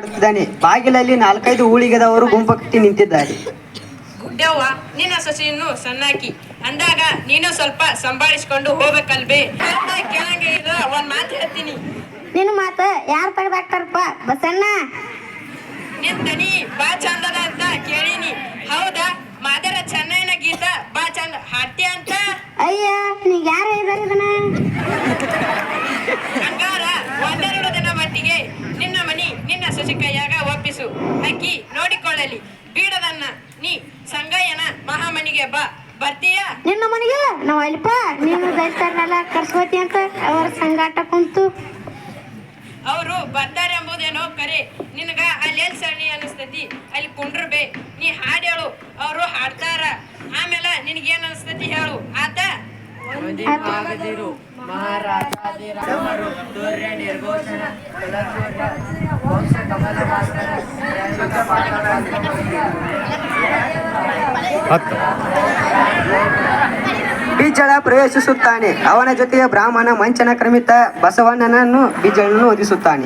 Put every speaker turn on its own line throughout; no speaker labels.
ಮಾಡುತ್ತಿದ್ದಾನೆ. ಬಾಗಿಲಲ್ಲಿ 4-5 ಊಳಿಗದವರು ಗುಂಪು ಕಟ್ಟಿ ನಿಂತಿದ್ದಾರೆ.
ಗುಡ್ಡವ್ವ, ನಿನ್ನ ಸೊಸೆಯನ್ನು ಸಣ್ಣಾಕಿ ಅಂದಾಗ ನೀನು ಸ್ವಲ್ಪ ಸಂಭಾಳಿಸ್ಕೊಂಡು ಹೋಗ್ಬೇಕಲ್ಬೇ. ಕೇಳಂಗೆ ಇಲ್ಲ, ಒಂದ್ ಮಾತು ಹೇಳ್ತೀನಿ.
ನಿನ್ನ ಮಾತು ಯಾರು ತೆಗ್ದಾಕ್ತಾರಪ್ಪ ಬಸಣ್ಣ?
ನಿನ್ ದನಿ ಬಾ ಚಂದದ ಅಂತ ಕೇಳೀನಿ. ಹೌದಾ? ಮಾದರ ಚೆನ್ನೈನ ಗೀತ ಬಾ ಚಂದ ಹಾಡ್ತಿ ಅಂತ.
ಅಯ್ಯ, ನೀಗ ಯಾರು ಹೇಳಿದಾರೆ ಇದನ್ನ?
ಹಂಗಾರ ಒಂದೆರಡು ದಿನ ಮಟ್ಟಿಗೆ ನಿನ್ನ ಮನಿ ನಿನ್ನ ಸೊಸೆ ಕೈಯಾಗ ಒಪ್ಪಿಸು. ಅಕ್ಕಿ ನೋಡಿಕೊಳ್ಳಲಿ. ಬೀಡದನ್ನ ನೀ ಸಂಗಯ್ಯನ ಮಹಾಮನಿಗೆ ಬಾ. ಬರ್ತೀಯಾ?
ನಿನ್ನ ಮನೆಗೆ ನಾವು ಅಲ್ಪ ನೀನು ದೈತಾರನೆಲ್ಲ ಕರ್ಸ್ಕೋತಿ ಅಂತ ಅವರ ಸಂಗಾಟ ಕುಂತು
ಅವರು ಬರ್ತಾರೆ ಎಂಬುದೇನೋ ಕರೆ. ನಿನಗ ಅಲ್ಲಿ ಎಲ್ಲಿ ಸಣ್ಣಿ ಅನಿಸ್ತತಿ ಅಲ್ಲಿ ಕುಂಡ್ರಬೇ. ನೀ ಹಾಡು ಹೇಳು, ಅವರು ಹಾಡ್ತಾರ. ಆಮೇಲೆ ನಿನಗೇನ್ ಅನಿಸ್ತತಿ ಹೇಳು. ಆತ
ಬಿಜ್ಜಳ ಪ್ರವೇಶಿಸುತ್ತಾನೆ. ಅವನ ಜೊತೆಗೆ ಬ್ರಾಹ್ಮಣ ಮಂಚನ ಕ್ರಮಿತ ಬಸವಣ್ಣನನ್ನು ಬಿಜ್ಜಳನ್ನು ಓದಿಸುತ್ತಾನೆ.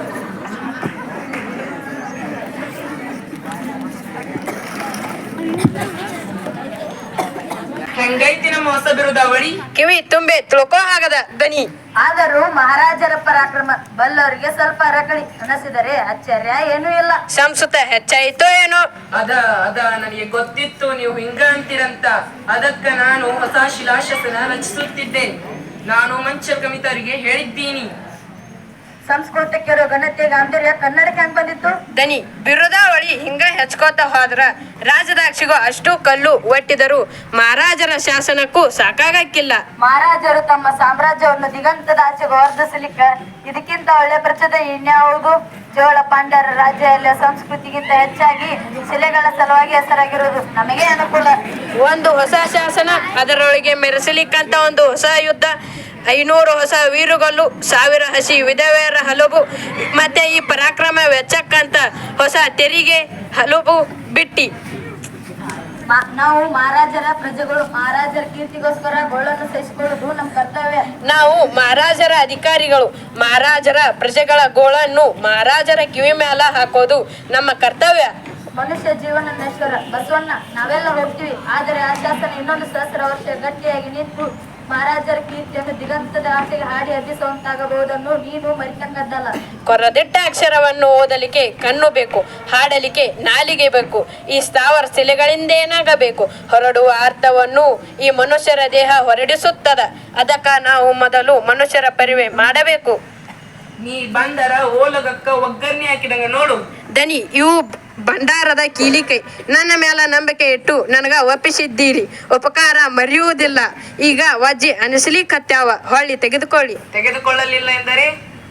ಹೆಂಗೈತಿ ನಮ್ಮ ಹೊಸ ಬಿರುದಾವಳಿ? ಕಿವಿ ತುಂಬೆ ತಿಳ್ಕೋ ಆಗದ ದನಿ.
ಆದರೂ ಮಹಾರಾಜರ ಪರಾಕ್ರಮ ಬಲ್ಲವರಿಗೆ ಸ್ವಲ್ಪ ಅರಕಳಿ ಅನಿಸಿದರೆ ಆಶ್ಚರ್ಯ ಏನೂ ಇಲ್ಲ.
ಸಂಸ್ಕೃತ ಹೆಚ್ಚಾಯಿತೋ ಏನೋ?
ಅದ ನನಗೆ ಗೊತ್ತಿತ್ತು ನೀವು ಹಿಂಗ ಅಂತೀರಂತ. ಅದಕ್ಕ ನಾನು ಹೊಸ ಶಿಲಾಶಾಸನ ರಚಿಸುತ್ತಿದ್ದೆ. ನಾನು ಮಂಚ ಕಮಿತರಿಗೆ ಹೇಳಿದ್ದೀನಿ.
ಸಂಸ್ಕೃತಕ್ಕೆ ಇರೋ ಘನತೆ ಗಾಂಭೀರ್ಯ ಕನ್ನಡಕ್ಕೆ ಹೆಂಗ್ ಬಂದಿತ್ತು?
ದನಿ ಬಿರುದಾವಳಿ ಹಿಂಗ ಹೆಚ್ಕೋತ ಹೋದ್ರ ರಾಜದಾಗ ಸಿಗೋ ಅಷ್ಟು ಕಲ್ಲು ಒಟ್ಟಿದರು ಮಹಾರಾಜರ ಶಾಸನಕ್ಕೂ ಸಾಕಾಗಕ್ಕಿಲ್ಲ.
ಮಹಾರಾಜರು ತಮ್ಮ ಸಾಮ್ರಾಜ್ಯವನ್ನು ದಿಗಂತದ ಆಚೆಗೆ ವರ್ಧಿಸಲಿಕ್ಕ ಇದಕ್ಕಿಂತ ಒಳ್ಳೆ ಪ್ರಚೋದನೆ ಇನ್ಯಾವುದು? ಚೋಳ ಪಾಂಡ್ಯರ ರಾಜ್ಯ ಸಂಸ್ಕೃತಿಗಿಂತ ಹೆಚ್ಚಾಗಿ ಶಿಲೆಗಳ ಸಲುವಾಗಿ ಹೆಸರಾಗಿರುವುದು ನಮಗೆ ಅನುಕೂಲ.
ಒಂದು ಹೊಸ ಶಾಸನ, ಅದರೊಳಗೆ ಮೆರೆಸಲಿಕ್ಕಂತ ಒಂದು ಹೊಸ ಯುದ್ಧ, 500 ಹೊಸ ವೀರುಗಳು, 1000 ಹಸಿ ವಿಧವೆಯರ ಹಲವು, ಮತ್ತೆ ಈ ಪರಾಕ್ರಮ ವೆಚ್ಚಕ್ಕಂತ ಹೊಸ ತೆರಿಗೆ ಹಲವು ಬಿಟ್ಟಿ.
ನಾವು ಮಹಾರಾಜರ ಪ್ರಜೆಗಳು. ಮಹಾರಾಜರ ಕೀರ್ತಿಗೋಸ್ಕರ ಗೋಳನ್ನು ಸಹಿಸಿಕೊಳ್ಳುವುದು ನಮ್ಮ ಕರ್ತವ್ಯ.
ನಾವು ಮಹಾರಾಜರ ಅಧಿಕಾರಿಗಳು. ಮಹಾರಾಜರ ಪ್ರಜೆಗಳ ಗೋಳನ್ನು ಮಹಾರಾಜರ ಕಿವಿ ಮ್ಯಾಲ ಹಾಕೋದು ನಮ್ಮ ಕರ್ತವ್ಯ.
ಮನುಷ್ಯ ಜೀವನ ನಶ್ವರ ಬಸವಣ್ಣ, ನಾವೆಲ್ಲ ಹೋಗ್ತೀವಿ. ಆದರೆ ಆ ಶಾಸನ ಇನ್ನೊಂದು 1000 ವರ್ಷ ಗಟ್ಟಿಯಾಗಿ ನಿಂತು ಮಹಾರಾಜರ ಕೀರ್ತಿಯನ್ನು ದಿಗಂತದ ಆಸೆಗೆ ಹಾಡಿ ಹಬ್ಬಿಸುವಂತಾಗಬಹುದನ್ನು ನೀನು ಮರಿತಕ್ಕದ್ದಲ್ಲ.
ಕೊರದಿಟ್ಟ ಅಕ್ಷರವನ್ನು ಓದಲಿಕ್ಕೆ ಕಣ್ಣು ಬೇಕು, ಹಾಡಲಿಕ್ಕೆ ನಾಲಿಗೆ ಬೇಕು. ಈ ಸ್ಥಾವರ ಶಿಲೆಗಳಿಂದೇನಾಗಬೇಕು? ಹೊರಡುವ ಅರ್ಥವನ್ನು ಈ ಮನುಷ್ಯರ ದೇಹ ಹೊರಡಿಸುತ್ತದ. ಅದಕ್ಕ ನಾವು ಮೊದಲು ಮನುಷ್ಯರ ಪರಿವೆ ಮಾಡಬೇಕು.
ನೀ ಬಂದರ ಓಲಗಕ್ಕ ಒಗ್ಗರಣೆ ಹಾಕಿದಂಗ ನೋಡು.
ದನಿ ಇವು ಭಂಡಾರದ ಕೀಲಿಕೈ. ನನ್ನ ಮೇಲೆ ನಂಬಿಕೆ ಇಟ್ಟು ನನಗ ಒಪ್ಪಿಸಿದ್ದೀರಿ. ಉಪಕಾರ ಮರೆಯುವುದಿಲ್ಲ. ಈಗ ವಜ್ಜಿ ಅನಿಸ್ಲಿಕ್ಕತ್ಯಾವ, ಹೊಳ್ಳಿ
ತೆಗೆದುಕೊಳ್ಳಲಿಲ್ಲ ಎಂದರೆ?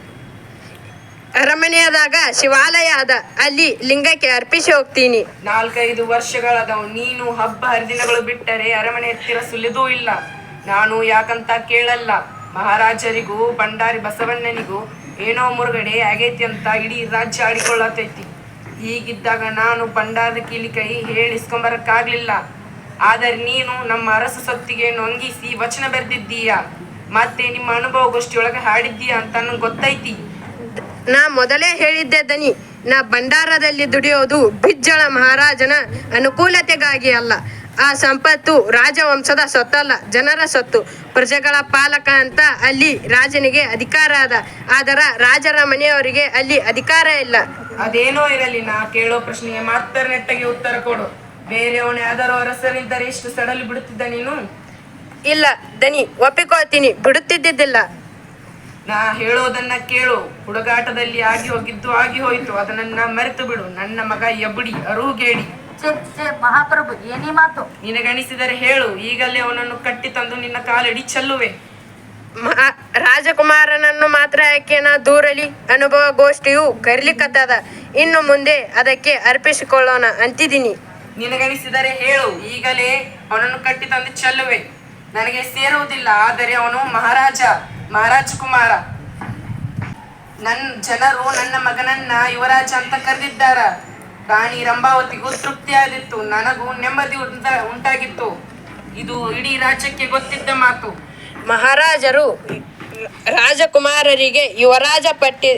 ಅರಮನೆಯದಾಗ ಶಿವಾಲಯ ಅದ, ಅಲ್ಲಿ ಲಿಂಗಕ್ಕೆ ಅರ್ಪಿಸಿ ಹೋಗ್ತೀನಿ.
4-5 ವರ್ಷಗಳದವು. ನೀನು ಹಬ್ಬ ಹರಿದಿನಗಳು ಬಿಟ್ಟರೆ ಅರಮನೆ ಹತ್ತಿರ ಸುಲಿದೂ ಇಲ್ಲ. ನಾನು ಯಾಕಂತ ಕೇಳಲ್ಲ. ಮಹಾರಾಜರಿಗೂ ಭಂಡಾರಿ ಬಸವಣ್ಣನಿಗೂ ಏನೋ ಮುರುಗಡೆ ಆಗೈತಿ ಅಂತ ಇಡೀ ರಾಜ್ಯ ಆಡಿಕೊಳ್ಳತೈತಿ. ಹೀಗಿದ್ದಾಗ ನಾನು ಭಂಡಾರದ ಕೀಲಿಕೈ ಹೇಳಿಸ್ಕೊಂಬರಕ್ಕಾಗ್ಲಿಲ್ಲ. ಆದರೆ ನೀನು ನಮ್ಮ ಅರಸ ಸೊತ್ತಿಗೆ ನೊಂಗಿಸಿ ವಚನ ಬರೆದಿದ್ದೀಯ, ಮತ್ತೆ ನಿಮ್ಮ ಅನುಭವಗೋಷ್ಠಿಯೊಳಗೆ ಹಾಡಿದ್ದೀಯ ಅಂತ ನಂಗೆ ಗೊತ್ತೈತಿ.
ನಾ ಮೊದಲೇ ಹೇಳಿದ್ದೆ ದನಿ, ನಾ ಭಂಡಾರದಲ್ಲಿ ದುಡಿಯೋದು ಬಿಜ್ಜಳ ಮಹಾರಾಜನ ಅನುಕೂಲತೆಗಾಗಿ ಅಲ್ಲ. ಆ ಸಂಪತ್ತು ರಾಜವಂಶದ ಸೊತ್ತಲ್ಲ, ಜನರ ಸೊತ್ತು. ಪ್ರಜೆಗಳ ಪಾಲಕ ಅಂತ ಅಲ್ಲಿ ರಾಜನಿಗೆ ಅಧಿಕಾರ ಅದ, ಆದರ ರಾಜರ ಮನೆಯವರಿಗೆ ಅಲ್ಲಿ ಅಧಿಕಾರ ಇಲ್ಲ.
ಅದೇನೋ ಇರಲಿ, ನಾ ಕೇಳೋ ಪ್ರಶ್ನೆಗೆ ಮಾತ್ರ ನೆಟ್ಟಗೆ ಉತ್ತರ ಕೊಡು. ಬೇರೆಯವನೇ ಯಾವ್ದಾರೋ ಅರಸರಿದ್ದರೆ ಇಷ್ಟು ಸಡಲಿ ಬಿಡುತ್ತಿದ್ದ ನೀನು?
ಇಲ್ಲ ದನಿ, ಒಪ್ಪಿಕೊಳ್ತೀನಿ, ಬಿಡುತ್ತಿದ್ದಿದ್ದಿಲ್ಲ.
ನಾ ಹೇಳೋದನ್ನ ಕೇಳು. ಹುಡುಗಾಟದಲ್ಲಿ ಆಗಿ ಹೋಗಿದ್ದು ಆಗಿ ಹೋಯ್ತು, ಅದನ್ನ ಮರೆತು ಬಿಡು. ನನ್ನ ಮಗ ಎಬುಡಿ ಅರುಗೇಡಿ.
ಮಹಾಪ್ರಭು, ಏನೇ ಮಾತು?
ನಿನಗಣಿಸಿದರೆ ಹೇಳು, ಈಗಲೇ ಅವನನ್ನು ಕಟ್ಟಿ ತಂದು ನಿನ್ನ ಕಾಲಡಿ ಚೆಲ್ಲುವೆ.
ರಾಜಕುಮಾರನನ್ನು ಮಾತ್ರ ಯಾಕೆನ ದೂರಲಿ? ಅನುಭವ ಗೋಷ್ಠಿಯು ಕರಿಲಿಕ್ಕತ್ತದ, ಇನ್ನು ಮುಂದೆ ಅದಕ್ಕೆ ಅರ್ಪಿಸಿಕೊಳ್ಳೋಣ ಅಂತಿದ್ದೀನಿ.
ನಿನಗಣಿಸಿದರೆ ಹೇಳು, ಈಗಲೇ ಅವನನ್ನು ಕಟ್ಟಿ ತಂದು ಚೆಲ್ಲುವೆ. ನನಗೆ ಸೇರುವುದಿಲ್ಲ, ಆದರೆ ಅವನು ಮಹಾರಾಜಕುಮಾರ. ನನ್ನ ಜನರು ನನ್ನ ಮಗನನ್ನ ಯುವರಾಜ ಅಂತ ಕರೆದಿದ್ದಾರ. ರಾಣಿ ರಂಭಾವತಿಗೂ ತೃಪ್ತಿಯಾದಿತ್ತು, ನನಗೂ ನೆಮ್ಮದಿ ಉಂಟಾಗಿತ್ತು. ಇದು ಇಡೀ ರಾಜ್ಯಕ್ಕೆ ಗೊತ್ತಿದ್ದ ಮಾತು.
ಮಹಾರಾಜರು ರಾಜಕುಮಾರರಿಗೆ ಯುವರಾಜ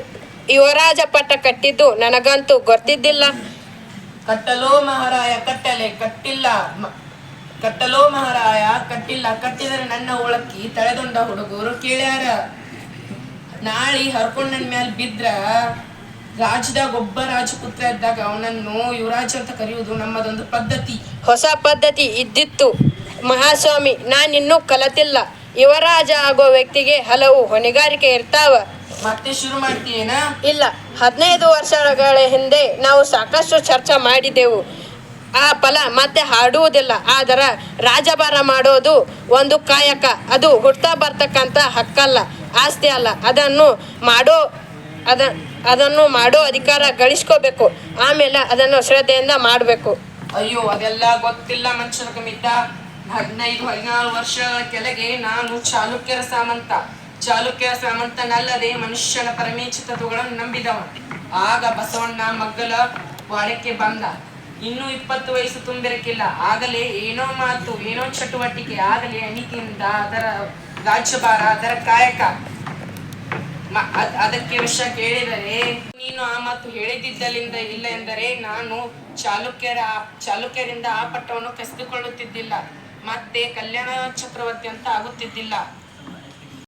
ಯುವರಾಜ ಪಟ್ಟ ಕಟ್ಟಿದ್ದು ನನಗಂತೂ ಗೊತ್ತಿದ್ದಿಲ್ಲ.
ಕಟ್ಟಲೋ ಮಹಾರಾಯ ಕಟ್ಟಲೆ ಕಟ್ಟಿಲ್ಲ ಕಟ್ಟಲೋ ಮಹಾರಾಯ ಕಟ್ಟಿಲ್ಲ ಕಟ್ಟಿದರೆ ನನ್ನ ಒಳಕ್ಕಿ ತಳೆದೊಂಡ ಹುಡುಗರು ಕೇಳ್ಯಾರ. ನಾಳಿ ಹರ್ಕೊಂಡ್ ನನ್ ಮ್ಯಾಲ ಬಿದ್ರ ರಾಜ್ಯದಾಗ ಒಬ್ಬ ರಾಜಪುತ್ರ ಇದ್ದಾಗ ಅವನನ್ನು ಯುವರಾಜ ಅಂತ ಕರೆಯುವುದು ನಮ್ಮದೊಂದು ಪದ್ಧತಿ.
ಹೊಸ ಪದ್ಧತಿ ಇದ್ದಿತ್ತು ಮಹಾಸ್ವಾಮಿ, ನಾನಿನ್ನೂ ಕಲತಿಲ್ಲ. ಯುವರಾಜ ಆಗೋ ವ್ಯಕ್ತಿಗೆ ಹಲವು ಹೊಣೆಗಾರಿಕೆ ಇರ್ತಾವ.
ಮತ್ತೆ ಶುರು ಮಾಡ್ತೀಯೇನ?
ಇಲ್ಲ, 15 ವರ್ಷಗಳ ಹಿಂದೆ ನಾವು ಸಾಕಷ್ಟು ಚರ್ಚೆ ಮಾಡಿದೆವು. ಆ ಫಲ ಮತ್ತೆ ಹಾಡುವುದಿಲ್ಲ. ಆದರ ರಾಜಭಾರ ಮಾಡೋದು ಒಂದು ಕಾಯಕ. ಅದು ಹುಡ್ತಾ ಬರ್ತಕ್ಕಂಥ ಹಕ್ಕಲ್ಲ, ಆಸ್ತಿ ಅಲ್ಲ. ಅದನ್ನು ಮಾಡೋ ಅಧಿಕಾರ ಗಳಿಸ್ಕೋಬೇಕು. ಆಮೇಲೆ ಅದನ್ನು ಶ್ರದ್ಧೆಯಿಂದ ಮಾಡಬೇಕು.
ಅಯ್ಯೋ, ಅದೆಲ್ಲ ಗೊತ್ತಿಲ್ಲ ಮನುಷ್ಯರ ಕಮಿತ. 15-14 ವರ್ಷಗಳ ಕೆಳಗೆ ನಾನು ಚಾಲುಕ್ಯರ ಸಾಮಂತನಲ್ಲದೆ ಮನುಷ್ಯನ ಪರಮೇಚ್ಛ ತತ್ವಗಳನ್ನು ನಂಬಿದವ. ಆಗ ಬಸವಣ್ಣ ಮಗ್ಗಲ ವಾಡಕ್ಕೆ ಬಂದ. ಇನ್ನೂ 20 ವಯಸ್ಸು ತುಂಬಿರಕ್ಕಿಲ್ಲ. ಆಗಲೇ ಏನೋ ಮಾತು, ಏನೋ ಚಟುವಟಿಕೆ, ಆಗಲೇ ಅಣಿಕೆಯಿಂದ ಅದರ ರಾಜ್ಯಭಾರ, ಅದರ ಕಾಯಕ. ಅದಕ್ಕೆ ವಿಷಯ ಕೇಳಿದರೆ ನೀನು ಆ ಮಾತು ಹೇಳಿದ್ದಲ್ಲಿಂದ ಇಲ್ಲ ಎಂದರೆ ನಾನು ಚಾಲುಕ್ಯರಿಂದ ಆ ಪಟ್ಟವನ್ನು ಕಸಿದುಕೊಳ್ಳುತ್ತಿದ್ದಿಲ್ಲ, ಮತ್ತೆ ಕಲ್ಯಾಣ ಚಕ್ರವರ್ತಿ ಅಂತ ಆಗುತ್ತಿದ್ದಿಲ್ಲ.